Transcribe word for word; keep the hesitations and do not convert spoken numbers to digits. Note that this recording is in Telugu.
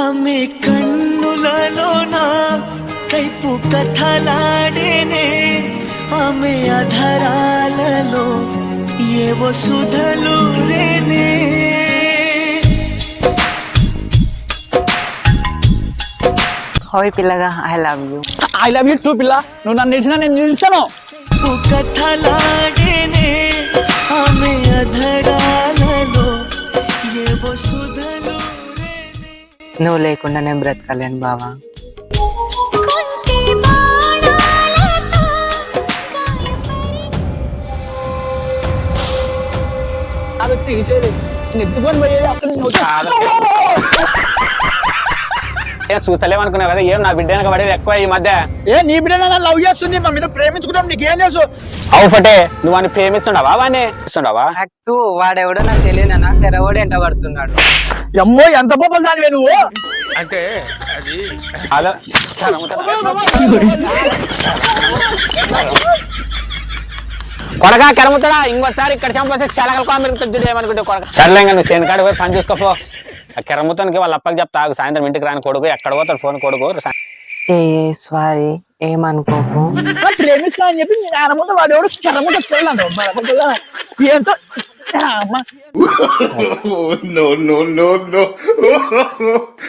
ఆమె కన్నులలోన కైపు కథలాడేనే ఆమె అధరాలలో ఏవో సుధలు రేనే హాయ్ పిల్లగా I love you I love you too పిల్ల నువ్వు నన్ను నిలిచినా నేను నిలుస్తాను కథలాడేనే ఆమె అధరాలలో ఏవో సుధలు రేనే నువ్వు లేకుండా నేను బ్రతకలేను బావా. ఎత్తుకొని పోయేది అసలు చూసలేమనుకున్నావు కదా, ఏం నా బిడ్డ వెనక పడేది ఎక్కువ ఈ మధ్య. ఏ నీ బిడ్డ నన్ను లవ్ చేస్తుంది మా మీద ప్రేమించుకుంటాం నీకేం తెలుసు? అవు ఫటే నువ్వు వాడిని ప్రేమిస్తుండవా వాడిని ఇస్తుండవా? నాకు వాడెవడో నాకు తెలియనా తెరవడు ఎంట పడుతున్నాడు. అమ్మో ఎంత పోపలు దానివే నువ్వు. అంటే అది అలా కొడగా కెరముతాడా ఇంకోసారి ఇక్కడ చంపేస్తే చెలకల కామెరుగుతుంది ఏమనుకుంటే కొడక. సర్లే నువ్వు చేను కాడ పోయి పని చూసుకోపో. ఆ కెరముతానికి వాళ్ళ అప్పకి చెప్తా సాయంత్రం ఇంటికి రాని కొడుకు ఎక్కడ పోతాడు ఫోన్ కొడుకు. ఏ సారీ ఏమనుకోకు. ప్రేమిస్తా అని చెప్పి ఆయన ముందు వాడు ఎవడు కెరముత పిల్లలు ఎంతో no no no no